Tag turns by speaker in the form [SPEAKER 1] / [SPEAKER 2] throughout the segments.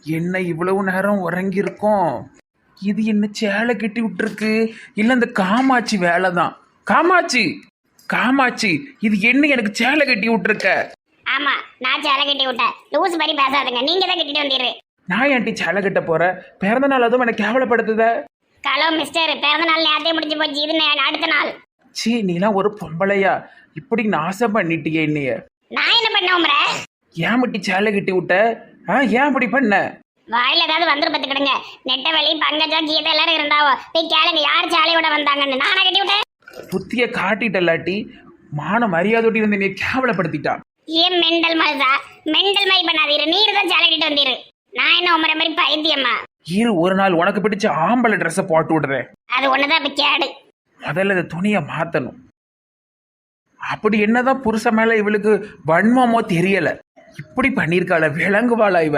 [SPEAKER 1] என்ன இவ்வளவு நேரம் உறங்கி இருக்கோம்? இது என்ன சேலை கட்டி விட்டுருக்கு? இல்ல இந்த காமாட்சி வேலை தான். காமாட்சி, காமாட்சி, இது என்ன எனக்கு சேலை கட்டி விட்டுருக்க?
[SPEAKER 2] ஆமா, நான் சேலை கட்டி விட்டேன். லூஸ் மாதிரி பேசாதுங்க, நீங்க தான் கட்டிட்டு வந்தீரு.
[SPEAKER 1] நான் ஏன்டி சேலை கட்ட போறேன்? பிறந்த நாள் அதுவும் எனக்கு கேவலப்படுத்துத.
[SPEAKER 2] ஹலோ மிஸ்டர், பிறந்த நாள் நேரத்தையும் முடிஞ்சு போச்சு. இது அடுத்த நாள்.
[SPEAKER 1] சீ, நீலாம் ஒரு பொம்பளையா? இப்படி நாசம் பண்ணிட்டியே என்னைய.
[SPEAKER 2] நான் என்ன பண்ண உமர?
[SPEAKER 1] ஏன் மட்டி சேலை கட்டி விட்ட? ஏன் இப்படி பண்ண?
[SPEAKER 2] வாயில ஏதாவது வந்துரு பத்துக்கிடுங்க. நெட்டவெளி, பங்கஜா, கீதா எல்லாரும் இருந்தாவோ போய் கேளுங்க யார் சேலையோட வந்தாங்கன்னு. நானா கட்டி விட்டேன்?
[SPEAKER 1] புத்திய காட்டிட்டல்லாட்டி மான மரியாதையோட்டி வந்து நீ கேவலப்படுத்திட்டான்.
[SPEAKER 2] ஏன் மெண்டல் மனசா? மெண்டல் மாதிரி பண்ணாதீரு. நீர் தான் சேலை கட்டிட்டு வந்தீரு. நான் என்ன உமர மாதிரி பைத்தியம்மா?
[SPEAKER 1] இரு, ஒரு நாள் உனக்கு பிடிச்ச ஆம்பளை ட்ரெஸ்ஸை போட்டு விடுறேன்.
[SPEAKER 2] அது ஒண்ணுதான் இப்ப கேடு.
[SPEAKER 1] முதல்ல இந்த துணியை மாத்தணும். அப்படி என்னதான் புருஷ மேல இவளுக்கு வன்மமோ தெரியல. இப்படி பண்ணிருக்காள, விளங்குவாளா இவ?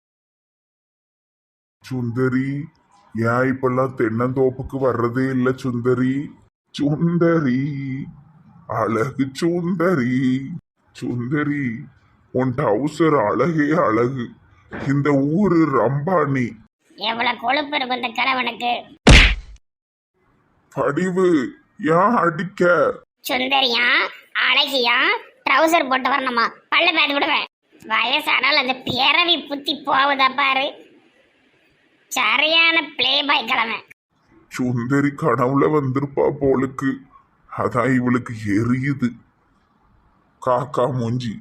[SPEAKER 3] சுந்தரி, ஏன் இப்பெல்லாம் தென்னந்தோப்புக்கு வர்றதே இல்ல சுந்தரி? சுந்தரி, அழகு சுந்தரி. சுந்தரி, உன் டவுசர் அழகே அழகு. இந்த ஊரு ரம்பானி.
[SPEAKER 2] எவ்வளவு கொழுப்பு இருக்கும் இந்த கிழவனுக்கு.
[SPEAKER 3] படிவு, ஏன் அடிக்க?
[SPEAKER 2] சுந்தரியா, அழகியா, ட்ரௌசர் போட்டு வரணுமா? பல்ல பேத்து விடுவேன். வயசானால் அந்த பிறவி புத்தி போகுதா பாரு. சரியான பிளே பாய் கிழமை.
[SPEAKER 3] சுந்தரி கனவுல வந்திருப்பா போலுக்கு. அதான் இவளுக்கு எரியுது. காக்கா மூஞ்சி.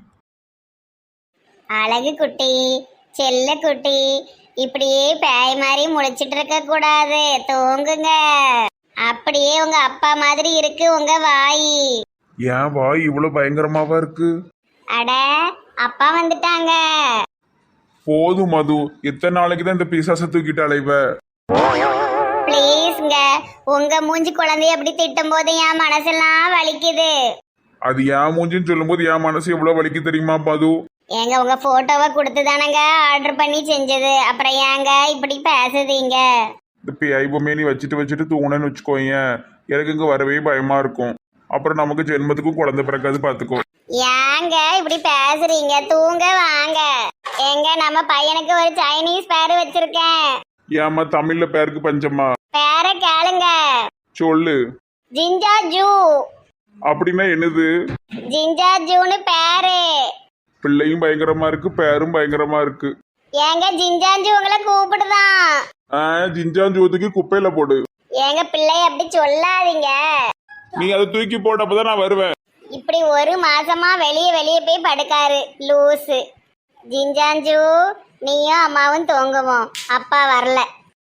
[SPEAKER 2] அழகு குட்டி, செல்ல குட்டி, இப்படியே பேய் மாதிரி முழிச்சிட்டு இருக்க கூடாது. தூங்குங்க. அப்படியே உங்க அப்பா மாதிரி இருக்கு உங்க வாய்.
[SPEAKER 3] ஏன் வாய் இவ்வளவு பயங்கரமாவா இருக்கு?
[SPEAKER 2] அட, அப்பா வந்துட்டாங்க.
[SPEAKER 3] போதும் மது, எத்தனை நாளைக்கு தான் இந்த பிசாசை தூக்கிட்டு அலைவ?
[SPEAKER 2] ப்ளீஸ்ங்க, உங்க மூஞ்சி குழந்தைய அப்படி திட்டும் போது என் மனசெல்லாம் வலிக்குது.
[SPEAKER 3] அது ஏன் மூஞ்சின்னு சொல்லும் போது என் மனசு எவ்வளவு வலிக்கு தெரியுமா மது?
[SPEAKER 2] ஏங்க உங்க போட்டோவை கொடுத்து தானங்க ஆர்டர் பண்ணி செஞ்சது. அப்புறம் ஏங்க இப்படி பேசுதீங்க?
[SPEAKER 3] இந்த பேய்பொம்மையை நீ வச்சுட்டு தூங்கணும்னு வச்சுக்கோங்க, எனக்கு இங்க வரவே பயமா இருக்கும். அப்புறம் நமக்கு ஜென்மத்துக்கும் குழந்தை பிறக்காது, பாத்துக்கோ.
[SPEAKER 2] ஏங்க இப்படி பேசுறீங்க? தூங்க வாங்க. எங்க நம்ம பையனுக்கு ஒரு சைனீஸ் பேரு வச்சிருக்கேன்.
[SPEAKER 3] ஏமா தமிழ்ல பேருக்கு பஞ்சமா?
[SPEAKER 2] பேர கேளுங்க.
[SPEAKER 3] சொல்லு.
[SPEAKER 2] ஜிஞ்சா ஜூ.
[SPEAKER 3] அப்படின்னா என்னது?
[SPEAKER 2] ஜிஞ்சா ஜூன்னு பேரு.
[SPEAKER 3] பிள்ளையும் பயங்கரமா இருக்கு, பேரும் பயங்கரமா இருக்கு.
[SPEAKER 2] ஏங்க ஜிஞ்சாஞ்சு உங்களை கூப்பிடுதான்.
[SPEAKER 3] ஜிஞ்சாஞ்சூத்துக்கு குப்பையில போடு.
[SPEAKER 2] ஏங்க பிள்ளைய அப்படி சொல்லாதீங்க.
[SPEAKER 3] நீ அதை தூக்கி போட்டு அப்பதான் நான் வருவேன்.
[SPEAKER 2] இப்படி ஒரு மாசமா வெளியே போய் படுக்காரு லூசு. ஜிஞ்சாஞ்சு, நீயும் அம்மாவும் தூங்குவோம், அப்பா வரல.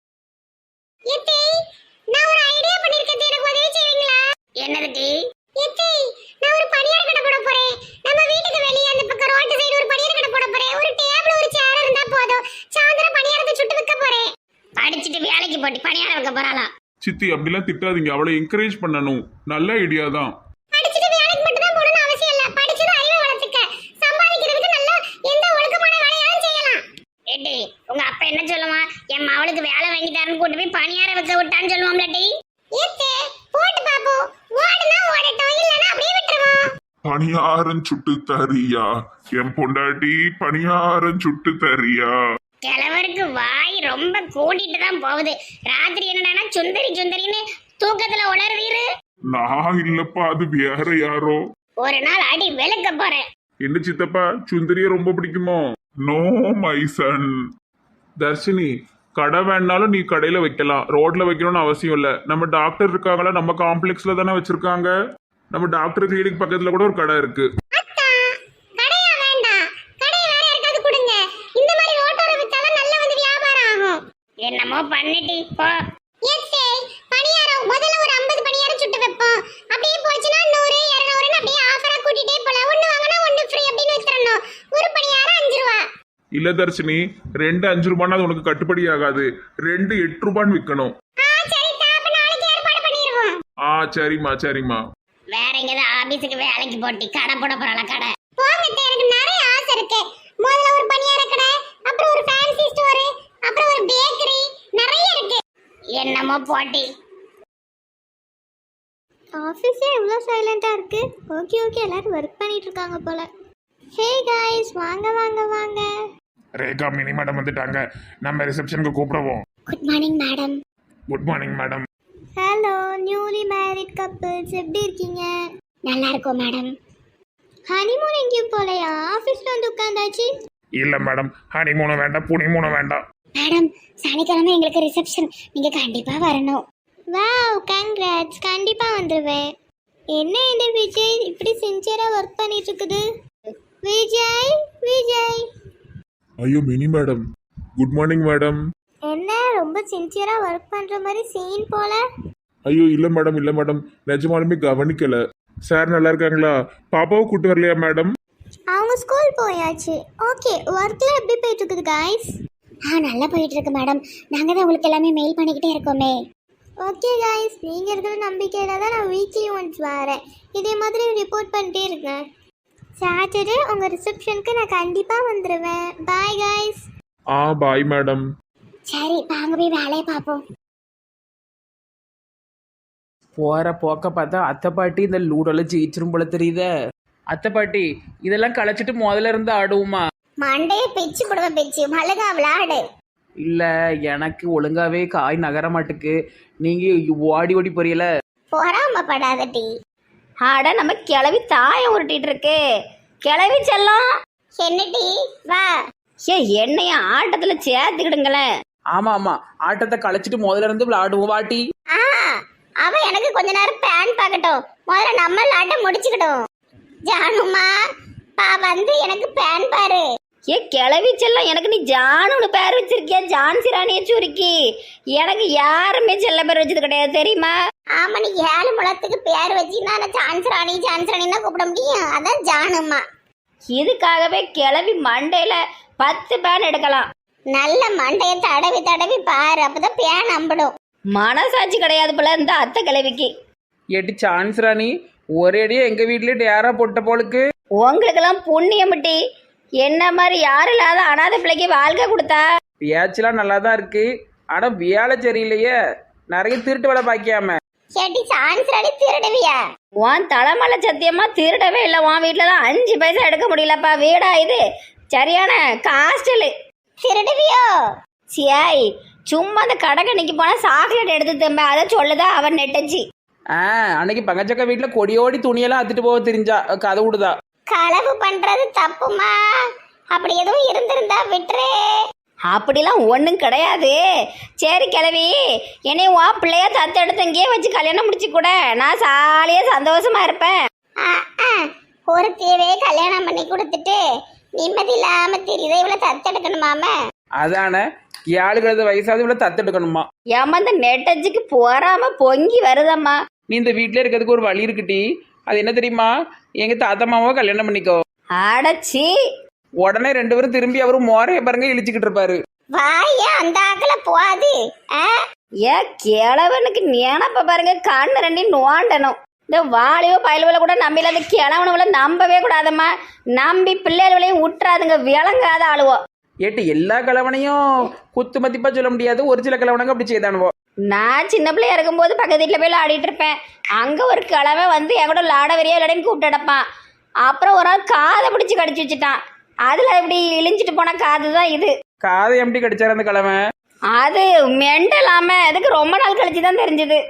[SPEAKER 2] நான் ஒரு ஐடியா பண்ணிருக்கேன், எனக்கு உதவி செய்வீங்களா? என்னது? நான் ஒரு பணியார கடை போட போறேன். நம்ம வீட்டுக்கு வெளியே அந்த பக்கம் ரோட் சைடு ஒரு பணியார கடை போட போறேன். ஒரு டேபிள் ஒரு சேர் இருந்தா போதும். சாயந்தரம் பணியாரத்தை சுட்டு விற்க போறேன். படிச்சிட்டு வேலைக்கு போட்டு பணியாரம் வைக்க போறாளா?
[SPEAKER 3] சித்தி, அப்படிலாம் திட்டாதீங்க, அவளை என்கரேஜ் பண்ணணும். நல்ல ஐடியா தான்.
[SPEAKER 2] படிச்சிட்டு வேலைக்கு மட்டும் தான் போகணும்னு அவசியம் இல்ல. படிச்சது அறிவை வளர்த்துக்க, சம்பாதிக்கிறதுக்கு நல்ல எந்த ஒழுக்கமான வேலையாலும் செய்யலாம். ஏடி, உங்க அப்பா என்ன சொல்லுவான்? என் மவளுக்கு வேலை வாங்கி தரேன்னு கூட்டி போய் பணியாரம் வைக்க விட்டான்னு சொல்லுவாம்ல டி. ஏத்தே போட்டு பாப்போம். ஓடுனா ஓடட்டும், இல்லனா அப்படியே விட்டுருவோம்.
[SPEAKER 3] பணியாரம் சுட்டு தரியா என் பொண்டாட்டி? பணியாரம் சுட்டு தரியா?
[SPEAKER 2] கிழவருக்கு வாய் ரொம்ப கூட்டிட்டு தான் போகுது. ராத்திரி என்னடானா சுந்தரின்னு தூக்கத்துல உளறுவீரு.
[SPEAKER 3] நான் இல்லப்பா, அது வேற யாரோ.
[SPEAKER 2] ஒரு நாள் அடி வெளுக்க போறேன்.
[SPEAKER 3] என்ன சித்தப்பா, சுந்தரிய ரொம்ப பிடிக்குமோ? No my son. தர்ஷினி, கடை வேணாலும் நீ கடையில வைக்கலாம், ரோட்ல வைக்கணும்னு அவசியம் இல்ல. நம்ம டாக்டர் இருக்காங்களா, நம்ம காம்ப்ளெக்ஸ்ல தானே வச்சிருக்காங்க. நம்ம டாக்டர் கிளினிக் பக்கத்துல கூட ஒரு கடை இருக்கு. என்னமோ பண்ணிட்டி போ. ஏத்தே, பணியாரம் முதல்ல ஒரு 50 பணியாரம் சுட்டு வைப்போம். அப்படியே போச்சுனா 100 200 அப்படியே ஆஃபரா கூட்டிட்டே போலாம். ஒன்னு வாங்குனா ஒன்னு ஃப்ரீ அப்படினு வித்துறணும். ஒரு பணியாரம் 5 ரூபாய். இல்ல தர்ஷினி, 2 5 ரூபாய்னா அது உனக்கு கட்டுப்படி ஆகாது. 2 8 ரூபாய்னு விக்கணும்.
[SPEAKER 2] சரி, அப்ப நாளைக்கு ஏற்பாடு பண்ணிடுவோம்.
[SPEAKER 3] சரிம்மா.
[SPEAKER 2] வேற எங்கேயாவது ஆபீஸ்க்கு வேலைக்கு போட்டி கடை போட போறாளா? கடை போங்க, எனக்கு நிறைய ஆசை இருக்கு. முதல்ல ஒரு பணியார கடை, அப்புறம் ஒரு ஃபேன்சி ஸ்டோர், அப்புறம் ஒரு பேக்கரி, நிறைய இருக்கு. என்னமோ போட்டி.
[SPEAKER 4] ஆஃபீஸே எவ்வளோ சைலண்டாக இருக்கு. ஓகே எல்லாரும் ஒர்க் பண்ணிட்டு இருக்காங்க போல. ஹே காய்ஸ், வாங்க.
[SPEAKER 5] ரேகா மினி மேடம் வந்துட்டாங்க. நம்ம ரிசப்ஷனுக்கு கூப்பிடுவோம்.
[SPEAKER 3] Good morning madam.
[SPEAKER 5] Good morning madam.
[SPEAKER 4] Hello newly married couples, எப்படி இருக்கீங்க?
[SPEAKER 3] நல்லா இருக்கோம் மேடம்.
[SPEAKER 4] ஹனிமூன் எங்கேயும் போலையா? ஆஃபீஸில் வந்து உட்காந்தாச்சு.
[SPEAKER 5] இல்ல மேடம், ஹனிமூனும் வேண்டாம், புனிமூனும் வேண்டாம்.
[SPEAKER 3] மேடம் சனிக்கிழமை எங்களுக்கு ரிசப்ஷன், நீங்க கண்டிப்பா வரணும்.
[SPEAKER 4] வாவ், கங்க்ராட்ஸ், கண்டிப்பாக வந்துடுவேன். என்ன இந்த விஜய் இப்படி சின்சியராக ஒர்க் பண்ணிட்டு இருக்குது? விஜய் விஜய்
[SPEAKER 5] ஐயோ Mini madam, good morning madam.
[SPEAKER 4] என்ன ரொம்ப சின்சியராக ஒர்க் பண்ணுற மாதிரி சீன் போல?
[SPEAKER 5] ஐயோ இல்ல மேடம், இல்ல மேடம், நிஜமாலுமே கவனிக்கல. சார் நல்லா இருக்காங்களா? பாப்பாவை கூட்டு வரலையா மேடம்?
[SPEAKER 4] அவங்க ஸ்கூல் போயாச்சு. ஓகே, ஒர்க்கில் எப்படி போயிட்டு இருக்குது காய்ஸ்?
[SPEAKER 3] நல்லா போயிட்டு இருக்கு மேடம். நாங்க தான் உங்களுக்கு எல்லாமே மெயில் பண்ணிக்கிட்டே இருக்கோமே.
[SPEAKER 4] ஓகே காய்ஸ், நீங்கள் இருக்கிற நம்பிக்கையில் தான் நான் வீக்லி ஒன்ஸ் வரேன். இதே மாதிரி ரிப்போர்ட் பண்ணிட்டே இருக்கேன். சாட்டர்டே உங்கள் ரிசப்ஷனுக்கு நான் கண்டிப்பாக வந்துடுவேன். Bye guys.
[SPEAKER 5] Bye madam.
[SPEAKER 3] சரி வாங்க போய் வேலையை பார்ப்போம்.
[SPEAKER 1] போகிற போக்க பார்த்தா அத்தை பாட்டி இந்த லூடோல ஜெயிச்சிரும் போல தெரியுதே. அத்தை பாட்டி இதெல்லாம் களைச்சிட்டு முதல்ல இருந்து ஆடுவோமா?
[SPEAKER 3] மண்டையை பிச்சு போடுவ பிச்சு மழுகா விளையாடு.
[SPEAKER 1] இல்லை எனக்கு ஒழுங்காவே காய் நகர மாட்டுக்கு. நீங்கள் ஓடி ஓடி போறீல.
[SPEAKER 3] பொறாமப்படாத டி.
[SPEAKER 2] ஆட நம்ம கிளவி தாயம் உருட்டிட்டு இருக்கு. கிளவி செல்லம்
[SPEAKER 3] என்ன டி வா.
[SPEAKER 2] ஏ என்னைய ஆட்டத்துல சேர்த்துக்கிடுங்களேன்.
[SPEAKER 1] ஆமாம் ஆமாம், ஆட்டத்தை களைச்சிட்டு முதல்ல இருந்து விளையாடுவோம் வாட்டி.
[SPEAKER 3] அவ எனக்கு கொஞ்ச நேரம் பேன் பார்க்கட்டும். முதல்ல நம்ம விளையாட்ட முடிச்சுக்கிட்டோம். ஜானுமா வந்து எனக்கு பேன் பாரு.
[SPEAKER 2] ஏ கிளவி செல்லம், எனக்கு நீ ஜானுன்னு பேர் வச்சிருக்கியா? ஜான்சி ராணியை சுருக்கி. எனக்கு யாருமே செல்ல பேர் வச்சது கிடையாது தெரியுமா?
[SPEAKER 3] ஆமா, நீ 7 முழத்துக்கு பேர் வச்சுன்னா சான்ஸ் ராணி தான் கூப்பிட முடியும். அதான் ஜானுமா.
[SPEAKER 2] இதுக்காகவே கிளவி மண்டையில 10 பேன் எடுக்கலாம்.
[SPEAKER 3] நல்ல மண்டைய தடவி தடவி பாரு, அப்பதான் பேன் நம்பிடும்.
[SPEAKER 2] மனசாட்சி கிடையாது போல இந்த அத்தை கிளவிக்கு.
[SPEAKER 1] ஏட்டி சான்ஸ் ராணி, ஒரே அடியே எங்கள் வீட்லேயே டேரா போட்ட போலுக்கு.
[SPEAKER 2] உங்களுக்கெல்லாம் புண்ணியமிட்டி. என்ன மாதிரி யாரும் இல்லாத அனாதை பிள்ளைக்கு வாழ்க்கை கொடுத்தா.
[SPEAKER 1] பேச்செல்லாம் நல்லா தான் இருக்கு, ஆனால் வேலை சரியில்லையே. நிறைய திருட்டு வேலை பாக்கியாம.
[SPEAKER 3] கேட்டி சான்ஸ் ராணி திருடுவியா?
[SPEAKER 2] உன் தலைமலை சத்தியமா திருடவே இல்லை. உன் வீட்டிலலாம் 5 பைசா எடுக்க முடியலப்பா. வீடா இது? சரியான காஸ்டலு.
[SPEAKER 3] திருடுவியோ?
[SPEAKER 2] சியாய், சும்மா அந்த கடற்கணிக்கு போனால் சாக்லேட் எடுத்து தம்ப, அதை சொல்லுதா அவன் நெட்டச்சி.
[SPEAKER 1] அன்னைக்கு பங்கச்சக்கா வீட்டில் கொடியோடி துணியெல்லாம் அத்துட்டு போக தெரிஞ்சா கதை விடுதா.
[SPEAKER 3] களவு பண்றது தப்புமா? அப்படி எதுவும் இருந்திருந்தா விட்டுரு.
[SPEAKER 2] அப்படிலாம் ஒன்றும் கிடையாது. சரி கிளவி, என்னையும் வா பிள்ளையா தத்தெடுத்து இங்கேயே வச்சு கல்யாணம் முடிச்சு கூட. நான் சாலியாக சந்தோஷமா இருப்பேன்.
[SPEAKER 3] ஒரு தேவையே கல்யாணம் பண்ணி கொடுத்துட்டு நிம்மதி இல்லாம தெரியுது. இவ்வளவு தத்தெடுக்கணுமாம?
[SPEAKER 1] அதானே, 7 வயசாவது இவ்வளோ தத்தெடுக்கணுமா?
[SPEAKER 2] ஏமா இந்த நெட்டச்சிக்கு போறாம பொங்கி வருதம்மா.
[SPEAKER 1] நீ இந்த வீட்டிலே இருக்கிறதுக்கு ஒரு வழி இருக்குட்டி. அது என்ன தெரியுமா? எங்க தாத்தா மாமாவை கல்யாணம் பண்ணிக்கோ.
[SPEAKER 2] அடச்சி,
[SPEAKER 1] உடனே 2 பேரும் திரும்பி அவரு மோரைய பாருங்க இழிச்சுக்கிட்டு இருப்பாரு.
[SPEAKER 3] வாயா அந்த ஆக்கல போகாது.
[SPEAKER 2] ஏ கிழவனுக்கு நினப்ப பாருங்க, கண்ணு 2 நோண்டணும். இந்த வாலியோ பயலுவலை கூட நம்பில, அந்த கிழவனுவலை நம்பவே கூடாதம்மா. நம்பி பிள்ளைகளையும் விட்டுறாதுங்க, விளங்காத ஆளுவோம்.
[SPEAKER 1] ஏட்டு எல்லா கிழவனையும் குத்து மதிப்பா சொல்ல முடியாது. ஒரு சில கிழவனங்க அப்படி செய்தானுவோ.
[SPEAKER 2] நான் சின்ன பிள்ளையா இருக்கும்போது பக்கத்து வீட்டில் போய் ஆடிட்டு இருப்பேன். அங்கே ஒரு கிழமை வந்து என் கூட லாட வரியா விளையாடின்னு கூப்பிட்டு அடப்பான். அப்புறம் ஒரு நாள் காதை பிடிச்சி கடிச்சு வச்சுட்டான். அதில் இப்படி இழிஞ்சிட்டு போன காது தான் இது.
[SPEAKER 1] காதை எப்படி கடிச்சாரு அந்த கிழமை?
[SPEAKER 2] அது மெண்டலாம, அதுக்கு ரொம்ப நாள் கழிச்சு தான் தெரிஞ்சது.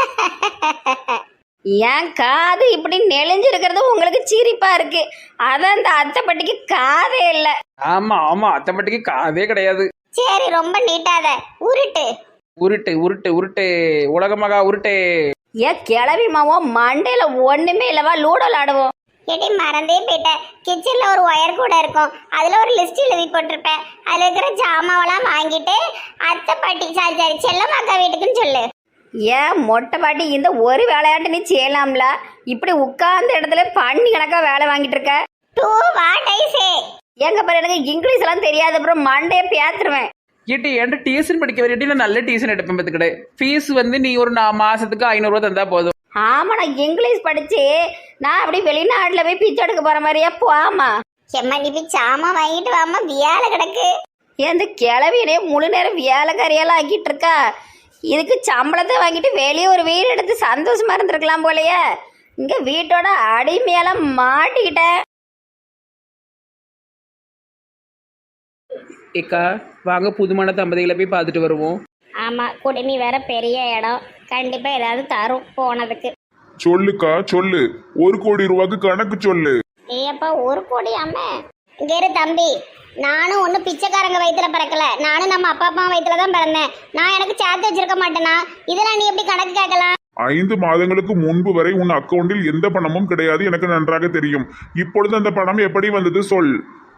[SPEAKER 2] என் காது இப்படி நெளிஞ்சிருக்கிறது உங்களுக்கு சிரிப்பா இருக்கு. அதான் இந்த அத்தைப்பட்டிக்கு காதே இல்லை.
[SPEAKER 1] ஆமா ஆமா, அத்தைப்பட்டிக்கு காதே கிடையாது.
[SPEAKER 3] சரி ரொம்ப நீட்டாத உருட்டு
[SPEAKER 1] உருட்டு உருட்டு உருட்டு உலகமாக உருட்டு.
[SPEAKER 2] ஏன் கிளவி மாவோ மண்டையில ஒண்ணுமே இல்லவா? லூடோ விளாடுவோம்.
[SPEAKER 3] எடி மறந்தே போயிட்டேன். கிச்சன்ல ஒரு ஒயர் கூட இருக்கும். அதுல ஒரு லிஸ்ட் எழுதி போட்டிருப்பேன். அதுல இருக்கிற ஜாமாவெல்லாம் வாங்கிட்டு அத்தை பாட்டி சாரி செல்லம்மாக்கா வீட்டுக்குன்னு சொல்லு.
[SPEAKER 2] ஏன் மொட்டை பாட்டி, இந்த ஒரு விளையாட்டு நீ செய்யலாம்ல? இப்படி உட்கார்ந்த இடத்துல பண்ணி கணக்கா வேலை வாங்கிட்டு இருக்க.
[SPEAKER 3] Do what I say.
[SPEAKER 2] எங்க பாரு, எனக்கு இங்கிலீஷ் எல்லாம் தெரியாது. அப்புறம் மண்டையை பேத்துருவேன்.
[SPEAKER 1] ஏட்டி என்கிட்ட டியூஷன் படிக்க வரையிட்டு நான் நல்ல டியூஷன் எடுப்பேன் பார்த்துக்கிட்டே. ஃபீஸ் வந்து நீ ஒரு மாசத்துக்கு 500 ரூபா தந்தா போதும்.
[SPEAKER 2] ஆமா, நான் இங்கிலீஷ் படிச்சு நான் அப்படி வெளிநாட்டுல போய் பிச்சை எடுக்க போற மாதிரியா? போமா
[SPEAKER 3] செம்மா, நீ போய் சாமான் வாங்கிட்டு வாமா, வேலை கிடக்கு.
[SPEAKER 2] எந்த கிளவியிலே முழு நேரம் வேலைக்காரியெல்லாம் ஆக்கிட்டு இருக்கா. இதுக்கு சம்பளத்தை வாங்கிட்டு வெளியே ஒரு வீடு எடுத்து சந்தோஷமா இருந்திருக்கலாம் போலயே. இங்க வீட்டோட அடிமையெல்லாம் மாட்டிக்கிட்டேன்.
[SPEAKER 1] ஏக்கா வாங்க புதுமான தம்பதிகளை போய் பார்த்துட்டு வருவோம்.
[SPEAKER 2] ஆமா, குடுமி வேற பெரிய இடம், கண்டிப்பா ஏதாவது தரும் போனதுக்கு.
[SPEAKER 5] சொல்லுக்கா சொல்லு, 1,00,00,000 கணக்கு சொல்லு.
[SPEAKER 2] ஏப்பா 1 கோடி அம்மே. இங்க இரு தம்பி, நானும் ஒன்றும் பிச்சைக்காரங்க வயிற்றுல பிறக்கல, நானும் நம்ம அப்பா அம்மா வயிற்றுல தான் பிறந்தேன். நான் எனக்கு சேர்த்து வச்சிருக்க மாட்டேனா? இதெல்லாம் நீ எப்படி கணக்கு கேட்கலாம்?
[SPEAKER 5] 5 மாதங்களுக்கு முன்பு வரை உன் அக்கவுண்டில் எந்த பணமும் கிடையாது, எனக்கு நன்றாக தெரியும். இப்பொழுது அந்த பணம் எப்படி வந்தது சொல்.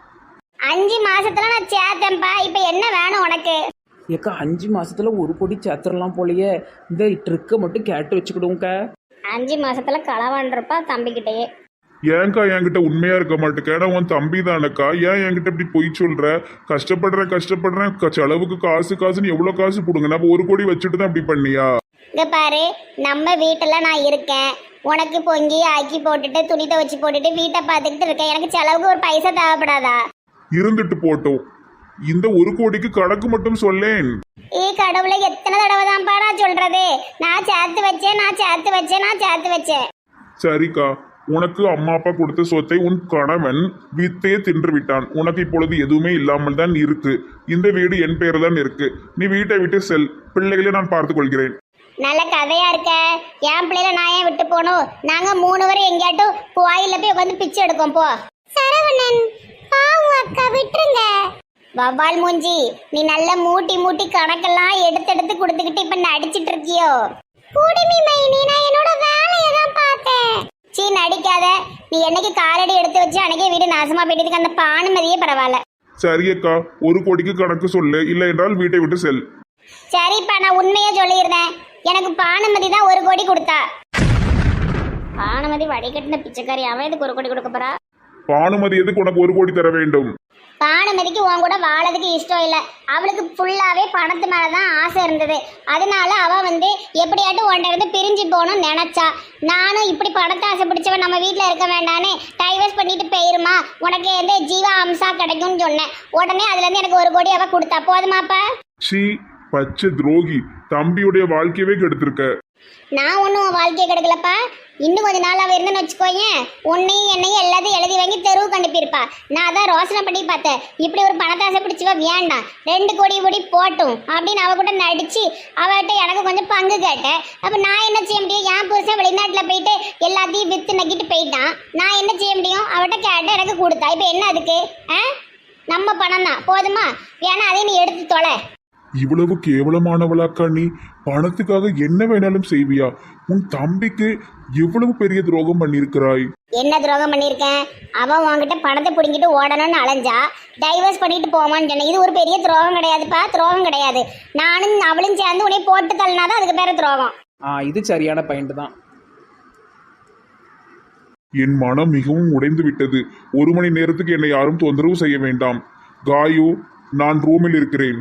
[SPEAKER 2] 5 மாசத்துல நான் சேர்த்தேன்ப்பா, இப்ப என்ன வேணும் உனக்கு?
[SPEAKER 1] ஏக்கா 5 மாசத்துல 1 கோடி சேர்த்துடலாம் போலயே. இந்த ட்ரிக்கை மட்டும் கேட்டு வச்சுக்கிடுவோங்க்கா.
[SPEAKER 2] 5 மாசத்துல களவாண்டிருப்பா தம்பிக்கிட்டேயே.
[SPEAKER 5] ஏன்க்கா என்கிட்ட உண்மையா இருக்க மாட்டேக்க? நான் உன் தம்பி தானக்கா, ஏன் என்கிட்ட இப்படி பொய் சொல்ற? கஷ்டப்படுறேன் செலவுக்கு காசுன்னு எவ்வளவு காசு போடுங்க. நான் 1 கோடி வச்சுட்டு தான் இப்படி பண்ணியா?
[SPEAKER 2] இங்க பாரு, நம்ம வீட்டுல நான் இருக்கேன், உனக்கு பொங்கி ஆக்கி போட்டுட்டு துணி துவச்சி போட்டுட்டு வீட்டை பார்த்துக்கிட்டு இருக்கேன். எனக்கு செலவுக்கு ஒரு பைசா தேவைப்படாதா?
[SPEAKER 5] இருந்துட்டு போட்டோம், இந்த 1 கோடிக்கு கணக்கு மட்டும் சொல்லேன்.
[SPEAKER 2] கடவுளை, எத்தனை தடவை தான்ப்பா நான் சொல்றது? நான் சேர்த்து வச்சேன்.
[SPEAKER 5] சரிக்கா, உனக்கு அம்மா அப்பா கொடுத்த சொத்தை உன் கணவன் வித்தே தின்று விட்டான். உனக்கு இப்பொழுது எதுவுமே இல்லாமல் தான் இருக்கு. இந்த வீடு என் பெயர் தான் இருக்கு. நீ வீட்டை விட்டு செல், பிள்ளைகளை நான் பார்த்துக் கொள்கிறேன்.
[SPEAKER 2] நல்ல கதையா இருக்க. என் பிள்ளைல நான் ஏன் விட்டு போகணும்? நாங்க 3 பேரும் எங்கேயாட்டும் கோயில்ல போய் உட்காந்து பிச்சை எடுக்கோம் போ.
[SPEAKER 3] சரவணன் பாவம் அக்கா, விட்டுருங்க.
[SPEAKER 2] வவ்வால் மூஞ்சி, நீ நல்ல மூட்டி கணக்கெல்லாம் எடுத்து கொடுத்துக்கிட்டு இப்ப நடிச்சிட்டு இருக்கியோ?
[SPEAKER 3] குடுமி மைனி, நான் என்னோட வேலையை தான் பார்த்தேன்.
[SPEAKER 2] சீ, நடிக்காத. நீ என்னைக்கு காலடி எடுத்து வச்சு அன்னைக்கே வீடு நாசமா போயிட்டதுக்கு அந்த பானுமதியே பரவாயில்ல.
[SPEAKER 5] சரியக்கா, 1 கோடிக்கு கணக்கு சொல்லு, இல்லை என்றால் வீட்டை விட்டு செல்.
[SPEAKER 2] சரிப்பா, நான் உண்மையா சொல்லியிருந்தேன். எனக்கு பானுமதி தான் 1 கோடி கொடுத்தா. பானுமதி வடிகட்டின பிச்சைக்காரி, அவன் எதுக்கு 1 கோடி கொடுக்க போறா?
[SPEAKER 5] பானுமதி எதுக்கு உனக்கு 1 கோடி தர வேண்டும்?
[SPEAKER 2] பானுமதிக்கு உன் கூட வாழறதுக்கு இஷ்டம் இல்லை, அவளுக்கு ஃபுல்லாவே பணத்து மேலதான் ஆசை இருந்தது. அதனால அவ எப்படியாட்டும் உன்கிட்ட இருந்து பிரிஞ்சு போகணும்னு நினைச்சா. நானும் இப்படி பணத்தை ஆசை பிடிச்சவன் நம்ம வீட்டுல இருக்க வேண்டான்னு டைவர்ஸ் பண்ணிட்டு போயிருமா, உனக்கு ஜீவா அம்சா கிடைக்கும்னு சொன்னேன். உடனே அதுல இருந்து எனக்கு 1 கோடி அவ கொடுத்தா. போதுமாப்பா?
[SPEAKER 5] சி, பச்சை துரோகி, தம்பியுடைய வாழ்க்கையவே கெடுத்திருக்க.
[SPEAKER 2] நான் ஒன்றும் உன் வாழ்க்கையை கெடுக்கலப்பா. இன்னும் கொஞ்ச நாள் அவ இருந்துன்னு வச்சுக்கோயேன், உன்னையும் என்னையும் எல்லாத்தையும் எழுதி வாங்கி தெருவுக்கு அனுப்பியிருப்பா. நான் அதான் ரோசனை பண்ணி பார்த்தேன். இப்படி ஒரு பணத்தாசை பிடிச்சவ வேண்டாம், 2 கோடி போட்டும் அப்படின்னு அவ கூட நடிச்சு அவகிட்ட எனக்கு கொஞ்சம் பங்கு கேட்டேன். அப்ப நான் என்ன செய்ய முடியும்? என் புருஷன் வெளிநாட்டுல போயிட்டு எல்லாத்தையும் வித்து நக்கிட்டு போயிட்டான். நான் என்ன செய்ய முடியும்? அவட்ட கேட்ட எனக்கு கொடுத்தா. இப்ப என்ன அதுக்கு? நம்ம பணம் தான், போதுமா? வேணா அதையும் நீ எடுத்து தொலை.
[SPEAKER 5] இவ்வளவு கேவலமானவளாக்கா நீ? பணத்துக்காக என்ன வேணாலும் செய்வியா? உன் தம்பிக்கு எவ்வளவு பெரிய துரோகம் பண்ணிருக்கிறாய்.
[SPEAKER 2] என்ன துரோகம் பண்ணிருக்கேன்? அவன் உன்கிட்ட பணத்தை பிடிங்கிட்டு ஓடணும்னு அலைஞ்சா, டைவர்ஸ் பண்ணிட்டு போவான்னு சொன்னேன். இது ஒரு பெரிய துரோகம் கிடையாதுப்பா, துரோகம் கிடையாது. நானும் அவளும் சேர்ந்து உன்னை போட்டு தள்ளினாதான் அதுக்கு பேர துரோகம்.
[SPEAKER 1] இது சரியான பாயிண்ட் தான்.
[SPEAKER 5] என் மனம் மிகவும் உடைந்து விட்டது. 1 மணி நேரத்துக்கு என்னை யாரும் தொந்தரவு செய்ய வேண்டாம். காயு, நான் ரூமில் இருக்கிறேன்.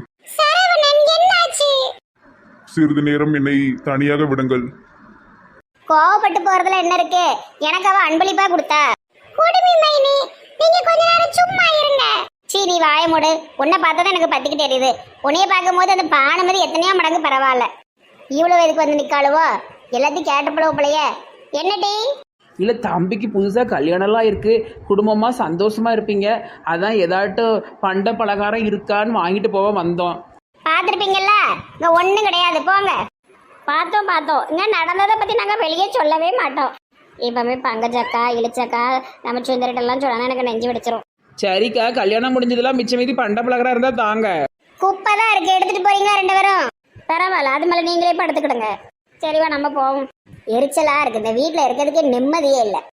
[SPEAKER 5] சிறிது நேரம் என்னை தனியாக விடுங்கள்.
[SPEAKER 2] கோவப்பட்டு போறதுல என்ன இருக்கு? எனக்கு அவ அன்பளிப்பா கொடுத்தா.
[SPEAKER 3] குடுமி மைனி, நீங்க கொஞ்ச நேரம் சும்மா இருங்க.
[SPEAKER 2] சீ, நீ வாய மூடு. உன்னை பார்த்தா எனக்கு பத்திக்கிட்டு தெரியுது. உன்னைய பார்க்கும்போது அந்த பானுமதி எத்தனையோ மடங்கு பரவாயில்ல. இவ்வளவு எதுக்கு நிக்காளுவோ? எல்லாத்தையும் கேட்டப்பளவு போலையே. என்னடி?
[SPEAKER 1] இல்லை, தம்பிக்கு புதுசாக கல்யாணம்லாம் இருக்குது, குடும்பமாக சந்தோஷமாக இருப்பீங்க, அதான் ஏதாட்டும் பண்ட பலகாரம் இருக்கான்னு வாங்கிட்டு போக வந்தோம்.
[SPEAKER 2] பார்த்துருப்பீங்கல்ல, இங்கே ஒன்றும் கிடையாது, போங்க. பார்த்தோம். இங்கே நடந்ததை பற்றி நாங்கள் வெளியே சொல்லவே மாட்டோம். இப்போவே பங்கஜக்கா இழிச்சக்கா நம்ம சுந்தரிட்டெல்லாம் சொன்னா எனக்கு நெஞ்சு வெடிச்சிரும்.
[SPEAKER 1] சரிக்கா, கல்யாணம் முடிஞ்சதெல்லாம் மிச்சம் மீதி பண்ட பலகாரம் இருந்தால் தாங்க.
[SPEAKER 2] குப்பை தான் இருக்குது, எடுத்துகிட்டு போறீங்க 2 பேரும். பரவாயில்ல, அது மேலே நீங்களே படுத்துக்கிடுங்க. சரிவா, நம்ம போவோம். எரிச்சலாக இருக்குது, இந்த வீட்டில் இருக்கிறதுக்கே நிம்மதியே இல்லை.